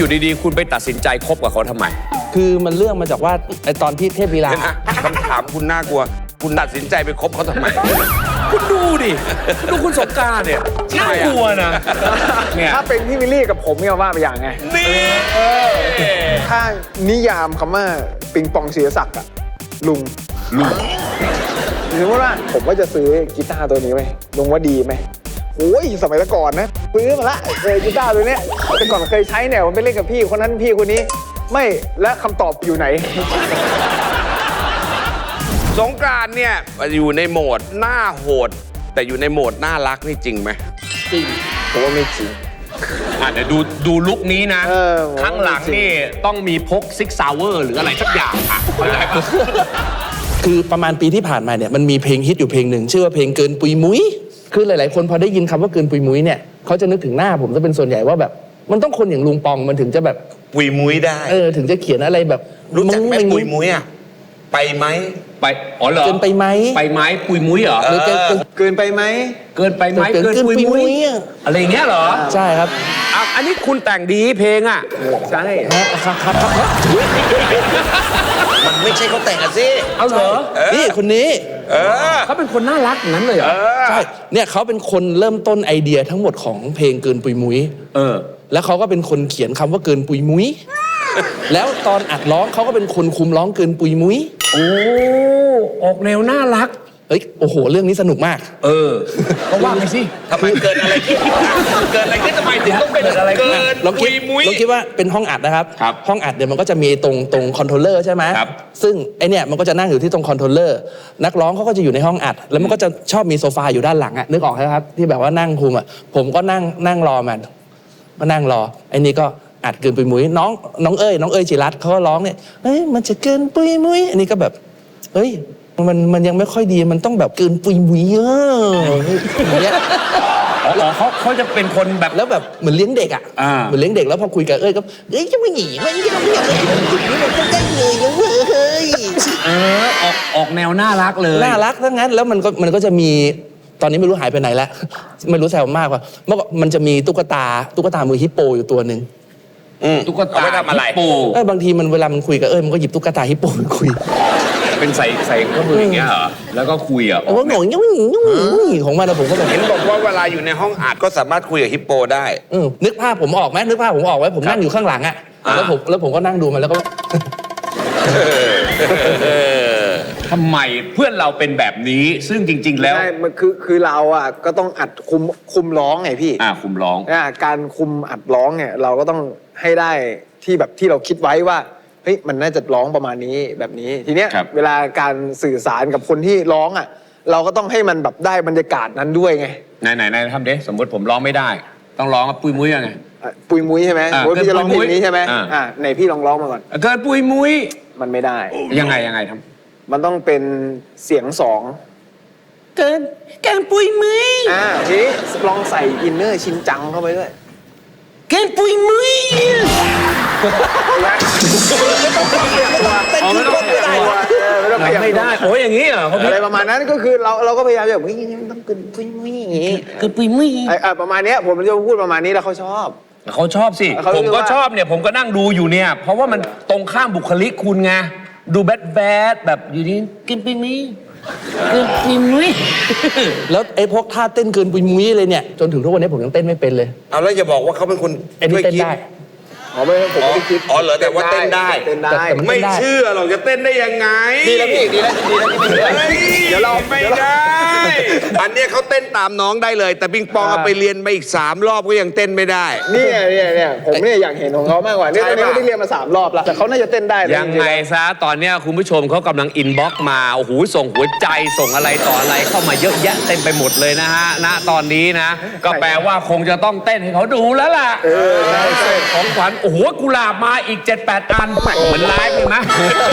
อยู่ดีๆคุณไปตัดสินใจคบกับเขาทำไมคือมันเรื่องมาจากว่าไอตอนที่เทพลีลาคำถามคุณน่ากลัว คุณตัดสินใจไปคบเขาทำไมคุณดูดิดูคุณสงกรานต์เนี่ยน่ากลัวนะเนี่ยถ้าเป็นพี่วิลลี่กับผมเนี่ยว่าไปอย่างไงนี่ถ้านิยามคำว่าปิงปองศิริศักดิ์อะลุงสมมติว่าผมก็จะซื้อกีตาร์ตัวนี้ไว้ลุงว่าดีไหมโอ้ยสมัยก่อนนะซื้อมาละกีตาร์ตัวเนี้ยแต่ก่อนเคยใช้เนี่ยผมไปเล่นกับพี่คนนั้นพี่คนนี้ไม่และคำตอบอยู่ไหนสงกรานต์เนี่ยอยู่ในโหมดหน้าโหด แต่อยู่ในโหมดน่ารักนี่จริงไหมจริงผมว่าไม่จริงเดี๋ยวดูลุคนี้นะเออข้างหลังนี่ต้องมีพกซิกซาวเวอร์หรืออะไรสักอย่างอ่ะเข้าใจปะคือประมาณปีที่ผ่านมาเนี่ยมันมีเพลงฮิตอยู่เพลงหนึ่งชื่อว่าเพลงเกินปุยมุ้ยคือหลายๆคนพอได้ยินคำว่าเกินปุยมุ้ยเนี่ยเขาจะนึกถึงหน้าผมจะเป็นส่วนใหญ่ว่าแบบมันต้องคนอย่างลุงปองมันถึงจะแบบปุยมุ้ยได้ถึงจะเขียนอะไรแบบรู้จักไหมงปุยมุ้ยอ่ะไปไหมไปอ๋อเหรอเกินไปไหมไปไหมปุยมุ้ยเหรอหรือเกินเกินไปไหมเกินไปไหมเกินปุยมุ้ยอะไรอย่างเงี้ยเหรอใช่ครับอ่ะอันนี้คุณแต่งดีเพลงอ่ะใช่ครับมันไม่ใช่เขาแต่งอะสิเอาเหรอนี่คนนี้เขาเป็นคนน่ารักอย่างนั้นเลยเหรอใช่เนี่ยเขาเป็นคนเริ่มต้นไอเดียทั้งหมดของเพลงเกินปุยมุ้ย แล้วเขาก็เป็นคนเขียนคำว่าเกินปุยมุ้ย แล้วตอนอัดร้องเขาก็เป็นคนคุมร้องเกินปุยมุ้ยโอ้ออกแนวน่ารักเฮ้ยโอ้โหเรื่องนี้สนุกมากก็ว่าไปสิทำไมเกิดอะไรขึ้นเกิดอะไรขึ้นทำไมถึงต้องเป็นเกิดอะไรขึ้นเกินลองปุคิดยมุ้ยลองคิดว่าเป็นห้องอัดนะครับครับห้องอัดเดี๋ยวมันก็จะมีตรงคอนโทรลเลอร์ใช่ไหมครับซึ่งไอเนี่ยมันก็จะนั่งอยู่ที่ตรงคอนโทรลเลอร์ นักร้องเขาก็จะอยู่ในห้องอัด แล้วมันก็จะชอบมีโซฟาอยู่ด้านหลังอะนึกออกไหมครับ ที่แบบว่านั่งคุมอะผมก็นั่งรอมันก็นั่งรอ ไอ้นี่ก็อัดเกินปุยมุ้ยน้องเอ้ยจิรัตน์เขาก็ร้องเนี่ยเฮ้ยมันจะเกินปุยมุ้ยอันนี้ก็แบบเฮ้ยมันยังไม่ค่อยดีมันต้องแบบเกินปุยมุ้ยอย่างเงี้ยเขาจะเป็นคนแบบแล้วแบบเหมือนเลี้ยงเด็กอ่ะ เหมือนเลี้ยงเด็กแล้วพอคุยกับเอ้ยก็จะไม่หนีมันจะไม่หนีมันก็ได้เลยนะเว้ยออกแนวน่ารักเลยน่ารักทั้งนั้นแล้วมันก็จะมีตอนนี้ไม่รู้หายไปไหนแล้ว ไม่รู้แซวมากกว่าเมื่อก่อนมันจะมีตุ๊กตามือฮิปโปอยู่ตัวหนึ่งตุ๊กตาเอาไว้ทำอะไรฮิปโปบางทีมันเวลามันคุยกับมันก็หยิบตุ๊กตาฮิปโปมาคุยเป็นใส่ข้อมืออย่างเงี้ยเหรอแล้วก็คุยอ่ะแล้วก็หงอยของมันแล้วผมก็แบบเห็นบอกว่าเวลาอยู่ในห้องอัดก็สามารถคุยกับฮิปโปได้นึกภาพผมออกไหมนึกภาพผมออกไว้ผมนั่งอยู่ข้างหลังอ่ะแล้วผมก็นั่งดูมันแล้วก็ทำไมเพื่อนเราเป็นแบบนี้ ซึ่งจริง ๆ แล้วใช่มันคือเราอ่ะก็ต้องอัดคุมร้องไงพี่คุมร้องการคุมอัดร้องเนี่ยเราก็ต้องให้ได้ที่แบบที่เราคิดไว้ว่าเฮ้ยมันน่าจะร้องประมาณนี้แบบนี้ทีเนี้ยครับเวลาการสื่อสารกับคนที่ร้องอ่ะเราก็ต้องให้มันแบบได้บรรยากาศนั้นด้วยไงไหนทำดิสมมติผมร้องไม่ได้ ต้องร้องกับปุยมุ้ยยังไงปุยมุ้ยใช่ไหมเกินพี่จะร้องเพลงนี้ใช่ไหมปุยมุ้ยไหนพี่ลองร้องมาก่อนเกิดปุยมุ้ยมันไม่ได้ยังไงทำมันต้องเป็นเสียงสองเกินปุยมุ้ยทีนี้ลองใส่อินเนอร์ชินจังเข้าไปด้วยเกินปุยมุ้ยไม่ต้องเปลี่ยนตัวไม่ต้องเปลี่ยนตัวไม่ได้โอ้ยอย่างนี้เหรอเขาอะไรประมาณนั้นก็คือเราก็พยายามแบบมันต้องเกินปุยมุ้ยอย่างงี้เกินปุยมุ้ยประมาณเนี้ยผมจะพูดประมาณนี้แล้วเขาชอบเขาชอบสิเขาผมก็ว่าชอบเนี่ยผมก็นั่งดูอยู่เนี่ย เพราะว่ามันตรงข้ามบุคลิกคุณไงดูแบดแบบอยู่นี่กินปุยมุ้ยกินปุยมุ้ยแล้วไอ้พวกท่าเต้นเกินปุยมุ้ยเลยเนี่ยจนถึงทุกวันนี้ผมยังเต้นไม่เป็นเลยเอาแล้วอย่าบอกว่าเขาเป็นคนไอ้นี่ช่วยเต้นคิดได้ไม่ผมไม่ได้คิดอ๋อเหรอแต่ว่าเต้นได้เต้นได้แต่มันไม่เชื่อหรอกจะเต้นได้ยังไงดีแล้วพี่ดีแล้วที่ไม่เชื่อเฮ้ยเดี๋ยวเราไม่ได้ อันเนี้ยเขาเต้นตามน้องได้เลย แต่ปิงปองเอาไปเรียนมาอีก3 รอบก็ยังเต้นไม่ได้เนี่ยผมเนี่ยอยากเห็นของเขามากกว่าเนี่ยตอนนี้ไม่ได้เรียนมา3 รอบแล้วแต่เขาน่าจะเต้นได้นะยังไงซะตอนเนี้ยคุณผู้ชมเขากำลังอินบ็อกซ์มาโอ้โหส่งหัวใจส่งอะไรต่ออะไรเข้ามาเยอะแยะเต็มไปหมดเลยนะฮะณตอนนี้นะ ก็แปลว่าคงจะต้องเต้นให้เขาดูแล้วล่ะใช่ของขวัญโอ้โหกุหลาบมาอีก 7-8 อันเหมือนไลฟ์เลยนะ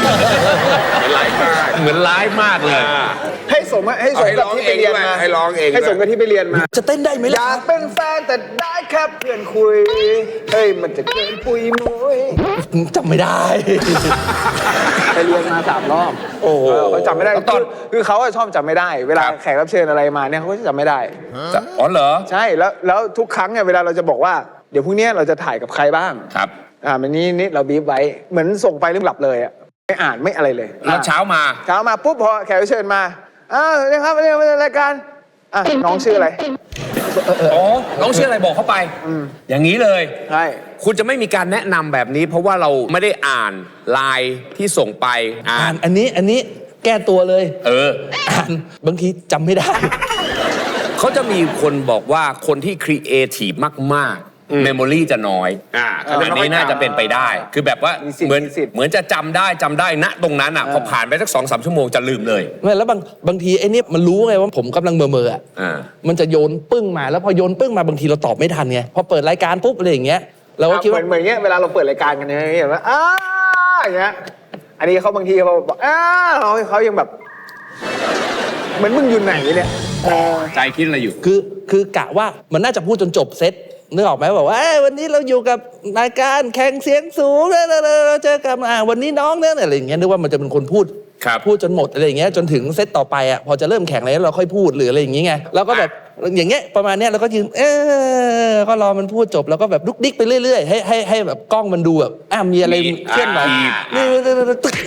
เหมือนไลฟ์มากเลยให้สมกับที่ไปเรียนมาให้ร้องเองด้วยให้สมกับที่ไปเรียนมาจะเต้นได้ไหมอล่ะยากเป็นแฟนแต่ได้แค่เพื่อนคุยเฮ้ยมันจะเกินปุยมุ้ยจำไม่ได้ไปเรียนมา3 รอบโอ้โหเขาจำไม่ได้คือเขาชอบจำไม่ได้ เวลาแขกรับเชิญอะไรมาเนี่ยเขาก็จะจำไม่ได้อ๋อเหรอใช่แล้วทุกครั้งเนี่ยเวลาเราจะบอกว่าเดี๋ยวพรุ่งนี้เราจะถ่ายกับใครบ้างครับมันนี่เราบีบไว้เหมือนส่งไปเรื่องหลับเลยอ่ะไม่อ่านไม่อะไรเลยแล้วเช้ามาปุ๊บพอแขกรับเชิญมานี่ครับวันนี้มารายการน้องชื่ออะไรอ๋อ น้องชื่ออะไรบอกเข้าไป อย่างนี้เลยใช่คุณจะไม่มีการแนะนำแบบนี้ เพราะว่าเราไม่ได้อ่านไลน์ที่ส่งไปอ่าอ่าน นอันนี้แก้ตัวเลย อ่านบางทีจำไม่ได้เขาจะมีคนบอกว่าคนที่ครีเอทีฟมากๆเมมโมรีจะน้อยอันนี้น่าจะเป็นไปได้ คือแบบว่าเหมือนจะจำได้ณตรงนั้นอ่ะพอผ่านไปสัก2-3 ชั่วโมงจะลืมเลยไม่แล้วบางทีไอ้นี่มันรู้ไงว่าผมกำลังเมออ่ะมันจะโยนปึ้งมาแล้วพอโยนปึ้งมาบางทีเราตอบไม่ทันไงพอเปิดรายการปุ๊บอะไรอย่างเงี้ยเราก็คิดว่าเหมือนเงี้ยเวลาเราเปิดรายการกันเนี่ยเห็นว่าอย่างเงี้ยอันนี้เขาบางทีเขาบอกเขายังแบบเหมือนมึงอยู่ไหนเนี่ยใจคิดอะไรอยู่คือกะว่ามันน่าจะพูดจนจบเซตนึกออกไหมบอกว่าวันนี้เราอยู่กับรายการแข่งเสียงสูงเราเจอกับวันนี้น้องเนี่ยอะไรอย่างเงี้ยนึกว่ามันจะเป็นคนพูดจนหมดอะไรอย่างเงี้ยจนถึงเซตต่อไปอ่ะพอจะเริ่มแข่งแล้วเราค่อยพูดหรืออะไรอย่างเงี้ยเราก็แบบอย่างเงี้ยประมาณเนี้ยเราก็ยืนก็รอมันพูดจบแล้วก็แบบลุกดิ๊กไปเรื่อยๆให้แบบกล้องมันดูแบบมีอะไรเคลื่อนไหวนี่ตึ๊ก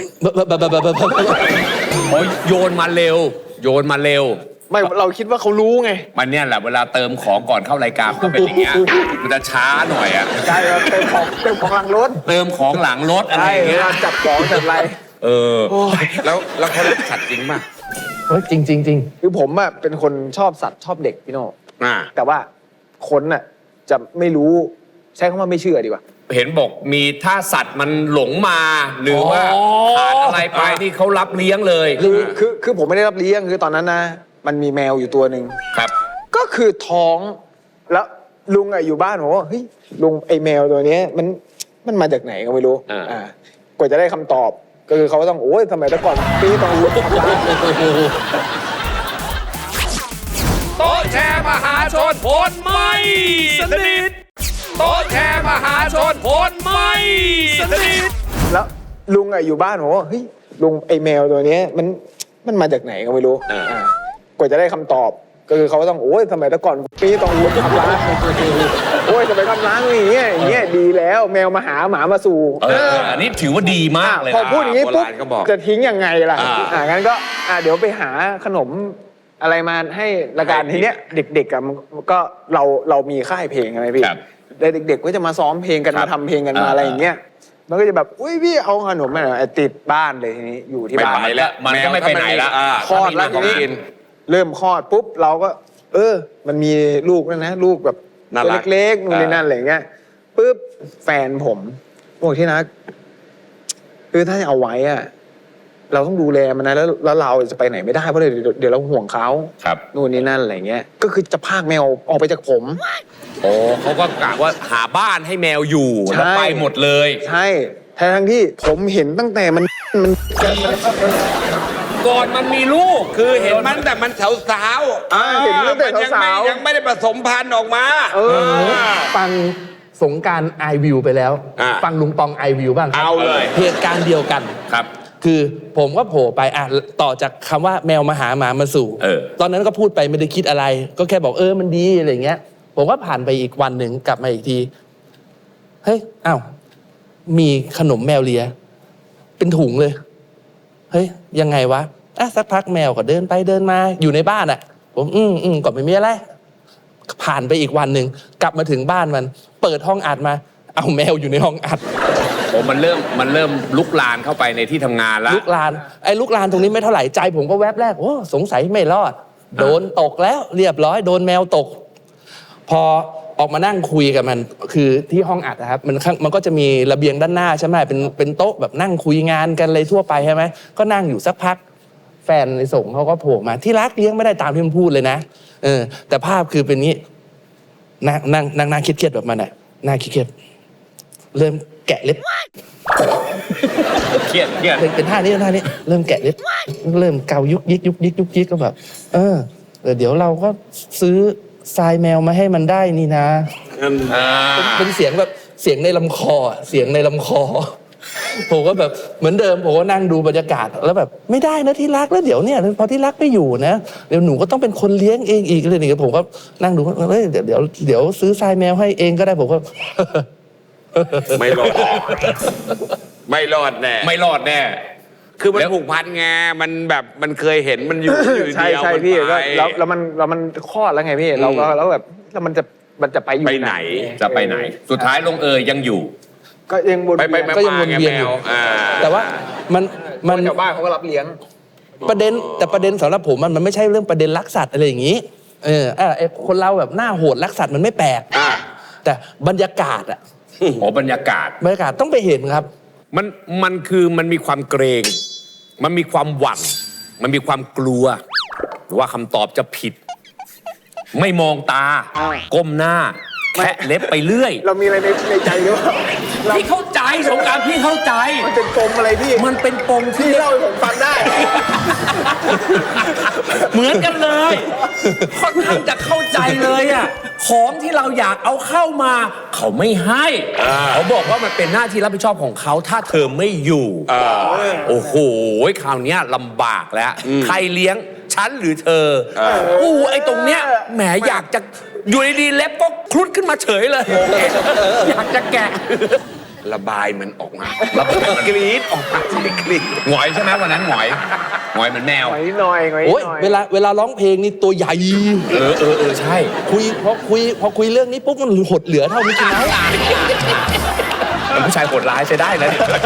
โยนมาเร็วไม่เราคิดว่าเขารู้ไงมันเนี่ยแหละเวลาเติมของก่อนเข้ารายการก็เป็นอย่างเงี้ยมันจะช้าหน่อยอ่ะใช่เติมของหลังรถเติมของหลังรถอะไรอย่างเงี้ยจับของจับอะไรแล้วเขารักสัตว์จริงป่ะจริงคือผมอ่ะเป็นคนชอบสัตว์ชอบเด็กพี่โน่แต่ว่าคนน่ะจะไม่รู้ใช้คำว่าไม่เชื่อดีกว่าเห็นบอกมีถ้าสัตว์มันหลงมาหรือว่าขาดอะไรไปที่เขารับเลี้ยงเลยคือผมไม่ได้รับเลี้ยงคือตอนนั้นนะมันมีแมวอยู่ตัวหนึ่งครับก็คือท้องแล้วลุงอยู่บ้านผมว่าเฮ้ยลุงไอ้แมวตัวนี้มันมาจากไหนก็ไม่รู้กว่าจะได้คำตอบก็คือเขาต้องทำไมแต่ก่อนปีต้องรู้ทำร้านโต๊ะแชร์มหาชนผลไม่สนิทโต๊ะแชร์มหาชนผลไม่สนิทแล้วลุงอยู่บ้านผมว่าเฮ้ยลุงไอ้แมวตัวนี้มันมาจากไหนก็ไม่รู้กว่าจะได้คำตอบก็คือเขาต้องทำไมแต่ก่อนปีต้องรู้ทำร้านทำไมทำร้านอย่างเงี้ยดีแล้วแมวมาหาหมามาสู่อันนี้ถือว่าดีมากเลยพอพูดอย่างนี้ปุ๊บจะทิ้งยังไงล่ะงั้นก็เดี๋ยวไปหาขนมอะไรมาให้ละกันทีเนี้ยเด็กๆก็เรามีค่ายเพลงอะไรพี่เด็กๆก็จะมาซ้อมเพลงกันมาทำเพลงกันมาอะไรอย่างเงี้ยมันก็จะแบบพี่เอาขนมมาหน่อยติดบ้านเลยทีนี้อยู่ที่บ้านไม่ไปแล้วมันก็ไม่ไปไหนแล้วคลอดแล้วทีนี้เริ่มคลอดปุ๊บเราก็มันมีลูกแล้วนะลูกแบบเล็กๆนู่นนี่นั่นอะไรเงี้ยปุ๊บแฟนผมบอกที่นะถ้าจะเอาไว้เราต้องดูแลมันนะแล้วเราจะไปไหนไม่ได้เพราะเดี๋ยวเราห่วงเขานู่นนี่นั่นอะไรเงี้ยก็คือจะพากแมวออกไปจากผมเขาก็กะว่าหาบ้านให้แมวอยู่แล้วไปหมดเลยใช่ทั้งที่ผมเห็นตั้งแต่มันก่อนมันมีลูกคือเห็นมันแต่มันสาวเห็นตั้งแต่สาวยังไม่ได้ผสมพันธุ์ออกมาฟังสงการไอวิวไปแล้วฟังลุงปองไอวิวบ้างเอาเลยเหตุการณ์เดียวกันครับคือผมก็โผล่ไปต่อจากคำว่าแมวมาหาหมามาสู่ตอนนั้นก็พูดไปไม่ได้คิดอะไรก็แค่บอกมันดีอะไรเงี้ยผมก็ผ่านไปอีกวันหนึ่งกลับมาอีกทีเฮ้ยมีขนมแมวเลียเป็นถุงเลยเฮ้ยยังไงวะสักพักแมวก็เดินไปเดินมาอยู่ในบ้านผมก็ไม่มีอะไรผ่านไปอีกวันหนึ่งกลับมาถึงบ้านมันเปิดห้องอัดมาเอาแมวอยู่ในห้องอัดมันเริ่มลุกลามเข้าไปในที่ทำงานแล้วลุกลามตรงนี้ไม่เท่าไหร่ใจผมก็แวบแรกสงสัยไม่รอดโดนตกแล้วเรียบร้อยโดนแมวตกพอออกมานั่งคุยกับมันคือที่ห้องอัดนะครับมันก็จะมีระเบียงด้านหน้าใช่ไหมเป็นโต๊ะแบบนั่งคุยงานกันเลยทั่วไปใช่ไหมก็นั่งอยู่สักพักแฟนในส่งเขาก็โผล่มาที่รักเลี้ยงไม่ได้ตามที่มันพูดเลยนะแต่ภาพคือเป็นนี้นั่งเครียดๆแบบมันน่าเครียดเริ่มแกะเล็บเครียดเป็นท่านี้เริ่มแกะเล็บเริ่มเกายุกยิกก็แบบเดี๋ยวเราก็ซื้อทรายแมวมาให้มันได้นี่นะเป็นเสียงแบบเสียงในลำคอผมก็แบบเหมือนเดิมผมก็นั่งดูบรรยากาศแล้วแบบไม่ได้นะที่รักแล้วเดี๋ยวเนี่ยพอที่รักไม่อยู่นะเดี๋ยวหนูก็ต้องเป็นคนเลี้ยงเองอีกเลยนี่ผมก็นั่งดูเดี๋ยวซื้อทรายแมวให้เองก็ได้ผมก็ไม่รอดไม่รอดแน่ไม่รอดแน่คือมันแล้วผูกพันไงมันแบบมันเคยเห็นมันอยู่อยู่ใช่เดียวใช่มันพี่ไปก็แล้วมันคลอดแล้วไงพี่เราก็แล้วแบบแล้วมันจะไปอยู่ไปไหนจะไปไหน สุดท้ายลงเอยยังอยู่ก็ยังวนไปเวียนก็ยังวนเวียนอยู่ แต่ว่ามันชาวบ้านเขาก็รับเลี้ยงประเด็นสำหรับผมมันไม่ใช่เรื่องประเด็นรักสัตว์อะไรอย่างนี้ไอ้คนเราแบบหน้าโหดรักสัตว์มันไม่แปลกแต่บรรยากาศอะอ๋อบรรยากาศต้องไปเห็นครับมันคือมันมีความเกรง มันมีความหวั่น มันมีความกลัว ว่าคำตอบจะผิด ไม่มองตา ก้มหน้าแคะเล็บไปเรื่อยเรามีอะไรในใจหรือเปล่าเราพี่เข้าใจสงกรารพี่เข้าใจมันเป็นปมอะไรพี่มันเป็นปมที่พี่เล่าให้ผมฟังได้เหมือนกันเลยค่อนข้างจะเข้าใจเลยอ่ะของที่เราอยากเอาเข้ามา เขาไม่ให้เขาบอกว่ามันเป็นหน้าที่รับผิดชอบของเขาถ้าเธอไม่อยู่โอ้โหคราวเนี้ยลำบากแล้ว ใครเลี้ยงฉันหรือเธอไอ้ตรงเนี้ยแหมอยากจะอยู่ดีๆเล็บก็คลุดขึ้นมาเฉยเลย อยากจะแกะระบายมันออกมาระบายมันกรี๊ดออกมาสิกรี๊ดหงอยใช่ไหมวันนั้นหงอยเหมือนแมวหน่อยหน่อยหน่อยโอ้ยเวลาร้องเพลงนี่ตัวใหญ่ใช่พอคุยเรื่องนี้ปุ๊บมันหดเหลือเท่านี้กินแล้วเป็นผู้ชายโหดร้ายใช้ได้นะเนี่ย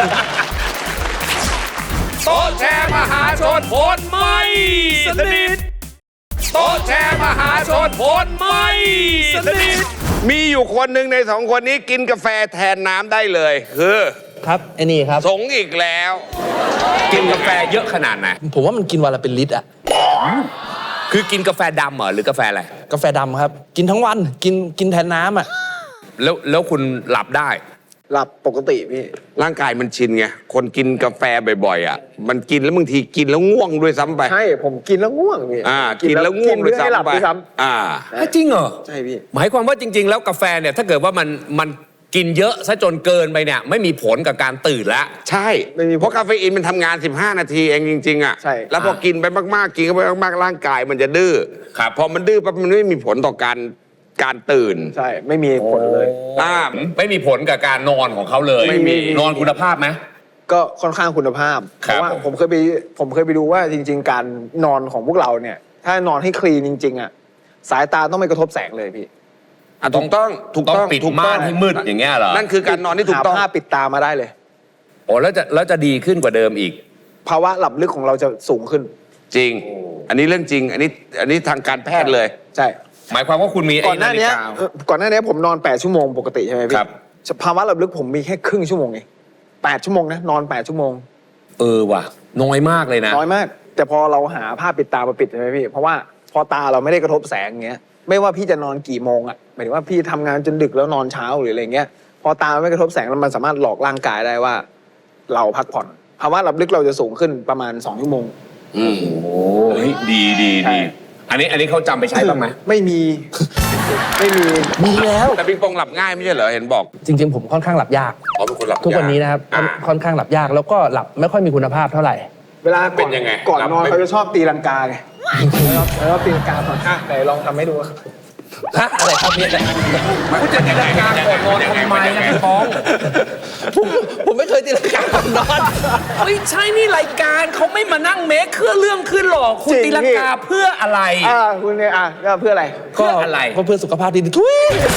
โต๊ะแชร์มหาชนผลไม่สนิทโต๊ะแชร์มหาชนผลไม่สนิทมีอยู่คนหนึ่งในสองคนนี้กินกาแฟแทนน้ำได้เลย คือครับไอ้นี่ครับสงอีกแล้วกินกาแฟเยอะขนาดไหนผมว่ามันกินวันละเป็นลิตรอะคือกินกาแฟดำเหรอหรือกาแฟอะไรกาแฟดำครับ กินทั้งวันกินแทนน้ำอะแล้วคุณหลับได้หลับปกติพี่ร่างกายมันชินไง คนกินกาแฟบ่อยๆอ่ะ มันกินแล้วบางทีกินแล้วง่วงด้วยซ้ำไปใช่ผมกินแล้วง่วงพี่กินแล้วง่วงด้วยกินเพื่อให้หลับซ้ำไปด้วยซ้จริงเหรอำใช่พี่หมายความว่าจริง ๆ แล้วกาแฟเนี่ยถ้าเกิดว่ามันกินเยอะซะจนเกินไปเนี่ยไม่มีผลกับการตื่นแล้วใช่ เพราะคาเฟอีนมันทำงาน 15 นาทีเองจริงๆอ่ะใช่แล้วพอกินไปมากๆ กินเข้าไปมากๆ ร่างกายมันจะดื้อครับพอมันดื้อปั๊บมันไม่มีผลต่อการตื่นใช่ไม่มีผลเลยไม่มีผลกับการนอนของเขาเลยไม่มีนอนคุณภาพไหมก็ค่อนข้างคุณภาพคเพรับราะว่าผมเคยไปดูว่าจริง ๆ การนอนของพวกเราเนี่ย ถ้านอนให้คลีนจริง ๆอ่ะสายตาต้องไม่กระทบแสงเลยพี่ถูกต้องถูกต้องต้องปิดถูกม่าต้องนให้มืดอย่างเงี้ยเหรอนั่นคือการนอนที่ถูกต้องหาผ้าปิดตามาได้เลยโอ้แล้วจะดีขึ้นกว่าเดิมอีกภาวะหลับลึกของเราจะสูงขึ้นจริง อันนี้เรื่องจริง อันนี้ทางการแพทย์เลยใช่หมายความว่าคุณมีก่อนหน้านี้ ก่อนหน้านี้ผมนอน 8 ชั่วโมงปกติใช่ไหมพี่ครับภาวะหลับลึกผมมีแค่ครึ่งชั่วโมงเอง8 ชั่วโมงนะนอน 8 ชั่วโมงว่ะน้อยมากเลยนะน้อยมาก แต่พอเราหาผ้าปิดตามาปิดใช่ไหมพี่ เพราะว่าพอตาเราไม่ได้กระทบแสงอย่างเงี้ย ไม่ว่าพี่จะนอนกี่โมงอ่ะหมายถึงว่าพี่ทำงานจนดึกแล้วนอนเช้าหรืออะไรเงี้ย พอตาไม่กระทบแสงแล้วมันสามารถหลอกร่างกายได้ว่า เราพักผ่อน ภาวะหลับลึกเราจะสูงขึ้นประมาณ2 ชั่วโมงโอ้ยดีใช่อันนี้เขาจำไปใช้บ้างไหมไม่มี ไม่มีมีแล้วแต่ปิงปองหลับง่ายไม่ใช่เหรอ เห็นบอกจริงๆผมค่อนข้างหลับยากอ๋อเป็นคนหลับทุกวันนี้นะครับอ่าค่อนข้างหลับยากแล้วก็หลับไม่ค่อยมีคุณภาพเท่าไหร่เวลาเป็นยังไงก่อนหลับนอนไม่เขาจะชอบตีลังกาไงแล้วตีลังกาตอนไหนลองทำให้ดูอะไรครับเนี่ยคุณจะตีลังกาก่อนนอนทำไมนะพี่ป้องผมไม่เคยตีลังกาก่อนนอนไม่ใช่นี่รายการเขาไม่มานั่งเมคเครื่องเรื่องขึ้นหรอกคุณจริงตีลังกาเพื่ออะไรคุณเนี่ยก็เพื่ออะไรเพื่ออะไรก็เพื่อสุขภาพดีทุย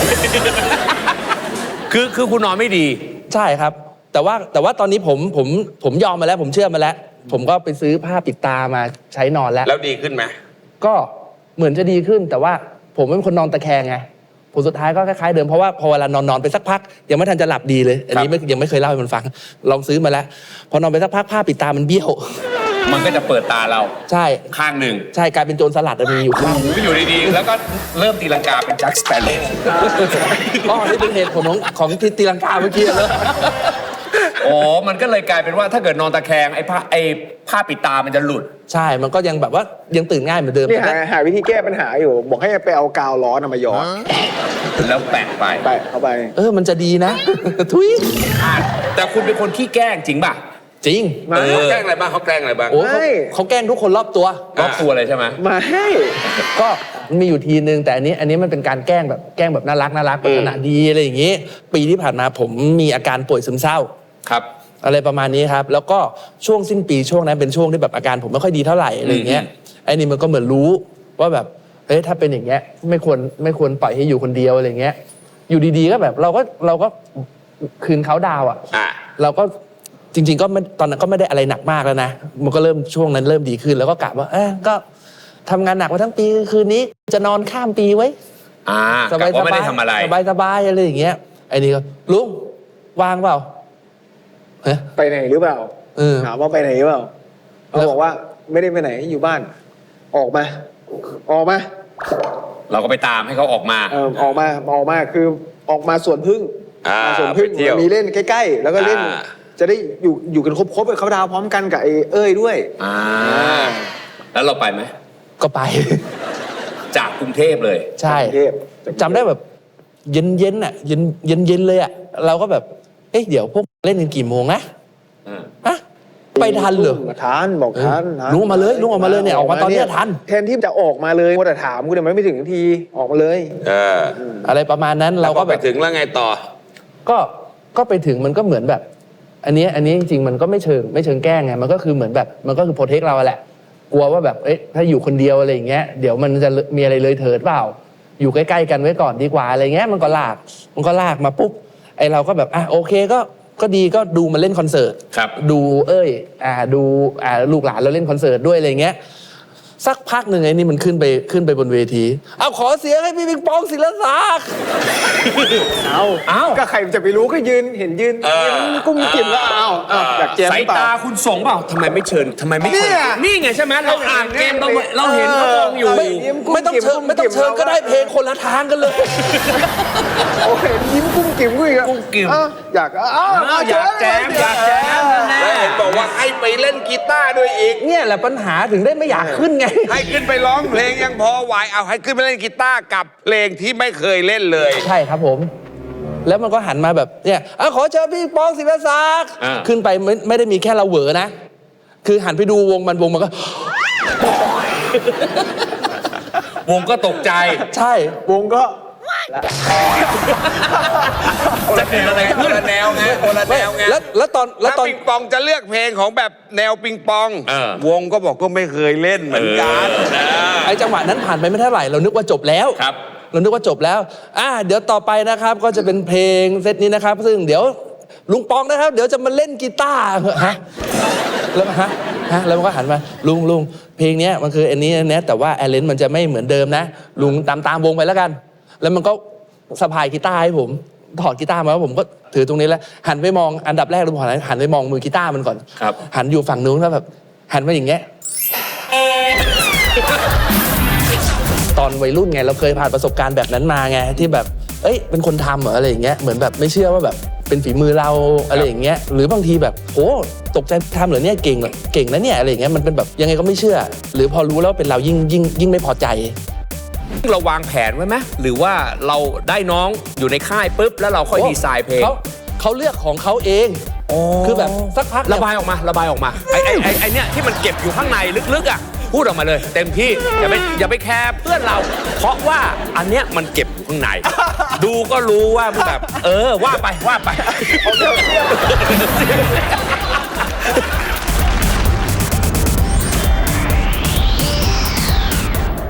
คือคุณนอนไม่ดีใช่ครับ แต่ว่าตอนนี้ผมยอมมาแล้ว ผมเชื่อมาแล้ว ผมก็ไปซื้อผ้าปิดตามาใช้นอนแล้วแล้วดีขึ้นไหมก็เหมือนจะดีขึ้น แต่ว่าผมเป็นคนนอนตะแคงไงผลสุดท้ายก็คล้ายๆเดิมเพราะว่าพอเวลานอนไปสักพักยังไม่ทันจะหลับดีเลย อันนี้ยังไม่เคยเล่าให้มันฟัง ลองซื้อมาแล้ว พอนอนไปสักพักผ้าปิดตามันเบี้ยวมันก็จะเปิดตาเราใช่ข้างหนึ่งใช่กลายเป็นโจรสลัดมีอยู่ข้างหูอยู่ดีๆ แล้วก็เริ่มตีลังกาเป็นแจ็คสเปโร่อ๋อนี่เป็นเหตุผลของที่ตีลังกาเมื่อกี้เลยอ๋อ มันก็เลยกลายเป็นว่าถ้าเกิดนอนตะแคงไอ้ผ้าปิดตามันจะหลุดใช่มันก็ยังแบบว่ายังตื่นง่ายเหมือนเดิมนี่แต่หาวิธีแก้ปัญหาอยู่ บอกให้ไปเอากาวร้อนมาย้อนแล้วแปะไปไปเข้าไปมันจะดีนะ ทุยแต่คุณเป็นคนขี้แกล้งจริงป่ะจริงมาเขาแกล้งอะไรบ้างเขาแกล้งอะไรบ้างโอ้ไม่เขาแกล้งทุกคนรอบตัวรอบตัวเลยใช่ไหมมาให้ก็มันมีอยู่ทีนึงแต่อันนี้มันเป็นการแกล้งแบบน่ารักปรารถนาดีอะไรอย่างงี้ ปีที่ผ่านมาผมมีอาการป่วยซึมเศร้าครับอะไรประมาณนี้ครับแล้วก็ช่วงสิ้นปีช่วงนั้นเป็นช่วงที่แบบอาการผมไม่ค่อยดีเท่าไหร่อะไรอย่างเงี้ยไอ้นี่มันก็เหมือนรู้ว่าแบบเฮ้ยถ้าเป็นอย่างเงี้ยไม่ควรปล่อยให้อยู่คนเดียวอะไรเงี้ยอยู่ดีๆก็แบบเราก็คืนเขาดาวอ่ะเราก็จริงๆก็ไม่ตอนนั้นก็ไม่ได้อะไรหนักมากแล้วนะมันก็เริ่มช่วงนั้นเริ่มดีขึ้นแล้วก็กะว่าก็ทำงานหนักมาทั้งปีคืนนี้จะนอนข้ามปีไว้สบายไม่ได้ทำอะไรสบายอะไรอย่างเงี้ยไอ้นี่ก็ลุงวางเปล่าไปไหนหรือเปล่าถามว่าไปไหนหรือเปล่าเขาบอกว่าไม่ได้ไปไหนอยู่บ้านออกมาเราก็ไปตามให้เขาออกมาออกมาคือออกมาสวนพึ่งสวนพึ่งมีเล่นใกล้ๆแล้วก็เล่นจะได้อยู่กันครบๆเขาดาวพร้อมกันกับไอ้เอ้ยด้วยแล้วเราไปไหมก็ไปจากกรุงเทพเลยใช่จำได้แบบเย็นอ่ะเย็นเลยอ่ะเราก็แบบเดี๋ยวพวกเล่นกันกี่โมงนะไปทันเหรอทันบอกทันลุงออกมาเลยเนี่ยออกมาตอนนี้ทันแทนที่จะออกมาเลยมัวแต่ถามกูเนี่ยมันไม่ถึงทีออกมาเลยอะไรประมาณนั้นเราก็ไปถึงแล้วไงต่อก็ไปถึงมันก็เหมือนแบบอันนี้จริงๆมันก็ไม่เชิงแกล้งไงมันก็คือเหมือนแบบมันก็คือโปรเทคเราแหละกลัวว่าแบบถ้าอยู่คนเดียวอะไรอย่างเงี้ยเดี๋ยวมันจะมีอะไรเลยเถิดเปล่าอยู่ใกล้ๆกันไว้ก่อนดีกว่าอะไรเงี้ยมันก็ลากมาปุ๊บไอเราก็แบบโอเคก็ดีก็ดูมันเล่นคอนเสิร์ตดูดูลูกหลานเราเล่นคอนเสิร์ตด้วยอะไรเงี้ยสักพักหนึ่งไอ้นี่มันขึ้นไปบนเวทีขอเสียงให้พี่ปิงปองศิลศักดิ์ก็ใครจะไปรู้ก็ยืนกุ้มกิ่มแล้วอยากแจมสายตาคุณส่งเปล่าทำไมไม่เชิญนี่ไงใช่ไหมเราอ่านเกมเราเห็นเขามองอยู่ไม่ต้องเชิญก็ได้เพลงคนละทางกันเลยโอ้เห็นยิ้มกุ้มกิ่มกุ้มกิ่มอยากแจมแล้วเห็นบอกว่าให้ไปเล่นกีตาร์ด้วยอีกเนี่ยแหละปัญหาถึงได้ไม่อยากขึ้นไงให้ขึ้นไปร้องเพลงยังพอไหวเอาให้ขึ้นไปเล่นกีตาร์กับเพลงที่ไม่เคยเล่นเลยใช่ครับผมแล้วมันก็หันมาแบบเนี่ยขอเชิญพี่ปองศิลศักดิ์ขึ้นไปไม่ได้มีแค่เราเหวอนะคือหันไปดูวงมันก็วงก็ตกใจใช่วงก็จะเป็นอะไรคนละแนวไงแล้วปิงปองจะเลือกเพลงของแบบแนวปิงปองวงก็บอกก็ไม่เคยเล่นเหมือนกันไอ้จังหวะนั้นผ่านไปไม่เท่าไหร่เรานึกว่าจบแล้วเรานึกว่าจบแล้วเดี๋ยวต่อไปนะครับก็จะเป็นเพลงเซตนี้นะครับซึ่งเดี๋ยวลุงปองนะครับเดี๋ยวจะมาเล่นกีตาร์แล้วแล้วมันก็หันมาลุงเพลงนี้มันคืออันนี้นะแต่ว่าแอลเลนมันจะไม่เหมือนเดิมนะลุงตามวงไปแล้วกันแล้วมันก็สะพายกีตาร์ให้ผมถอดกีตาร์มาแล้วผมก็ถือตรงนี้แล้วหันไปมองอันดับแรกเราหันไปมองมือกีตาร์มันก่อนหันอยู่ฝั่งนู้นแล้วแบบหันมาอย่างเงี้ยตอนวัยรุ่นไงเราเคยผ่านประสบการณ์แบบนั้นมาไงที่แบบเป็นคนทำเหรออะไรอย่างเงี้ยเหมือนแบบไม่เชื่อว่าแบบเป็นฝีมือเราอะไรอย่างเงี้ยหรือบางทีแบบโอ้ตกใจทำเหรอเนี่ยเก่งนะเนี่ยอะไรอย่างเงี้ยมันเป็นแบบยังไงก็ไม่เชื่อหรือพอรู้แล้วเป็นเรายิ่งไม่พอใจเราวางแผนไว้ไหมหรือว่าเราได้น้องอยู่ในค่ายปุ๊บแล้วเราค่อยดีไซน์เพลงเขาเลือกของเขาเองคือแบบสักพักระบายออกมาไอเนี่ยที่มันเก็บอยู่ข้างในลึกๆพูดออกมาเลยเต็มที่อย่าไปแคร์เพื่อนเราเพราะว่าอันเนี้ยมันเก็บอยู่ข้างในดูก็รู้ว่าแบบว่าไป